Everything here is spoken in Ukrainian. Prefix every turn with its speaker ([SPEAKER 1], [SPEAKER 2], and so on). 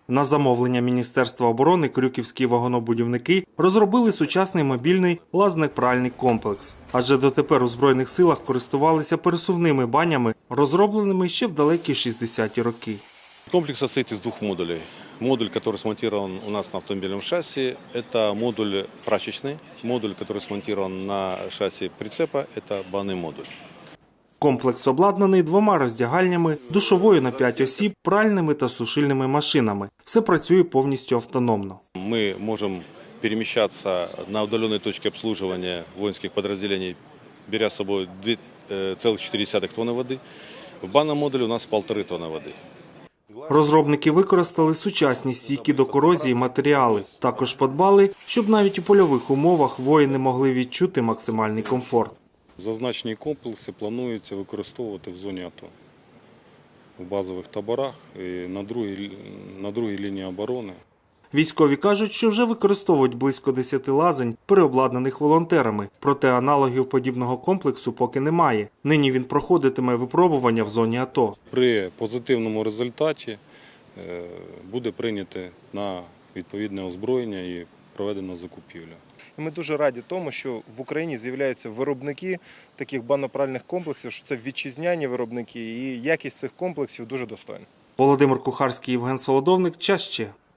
[SPEAKER 1] На замовлення Міністерства оборони крюківські вагонобудівники розробили сучасний мобільний лазник-пральний комплекс. Адже дотепер у Збройних силах користувалися пересувними банями, розробленими ще в далекі 60-ті роки.
[SPEAKER 2] Комплекс состоит из двух модулей. Модуль, который смонтирован у нас на автомобильном шасси, это модуль прачечный. Модуль, который смонтирован на шасси прицепа, это банный модуль.
[SPEAKER 1] Комплекс обладнаний двома роздягальнями, душовою на 5 осіб, пральними та сушильними машинами. Все працює повністю автономно.
[SPEAKER 2] Мы можем перемещаться на удаленной точке обслуживания воинских подразделений, беря с собой 2,4 тонны воды. В банном модуле у нас 1,5 тонны воды.
[SPEAKER 1] Розробники використали сучасні стійкі до корозії матеріали. Також подбали, щоб навіть у польових умовах воїни могли відчути максимальний комфорт.
[SPEAKER 3] Зазначені комплекси планується використовувати в зоні АТО, в базових таборах і на другій лінії оборони.
[SPEAKER 1] Військові кажуть, що вже використовують близько 10 лазень, переобладнаних волонтерами. Проте аналогів подібного комплексу поки немає. Нині він проходитиме випробування в зоні АТО.
[SPEAKER 3] При позитивному результаті буде прийнято на відповідне озброєння і проведено закупівлю.
[SPEAKER 4] І ми дуже раді тому, що в Україні з'являються виробники таких банно-пральних комплексів, що це вітчизняні виробники, і якість цих комплексів дуже достойна.
[SPEAKER 1] Володимир Кухарський, Євген Солодовник. Час ще.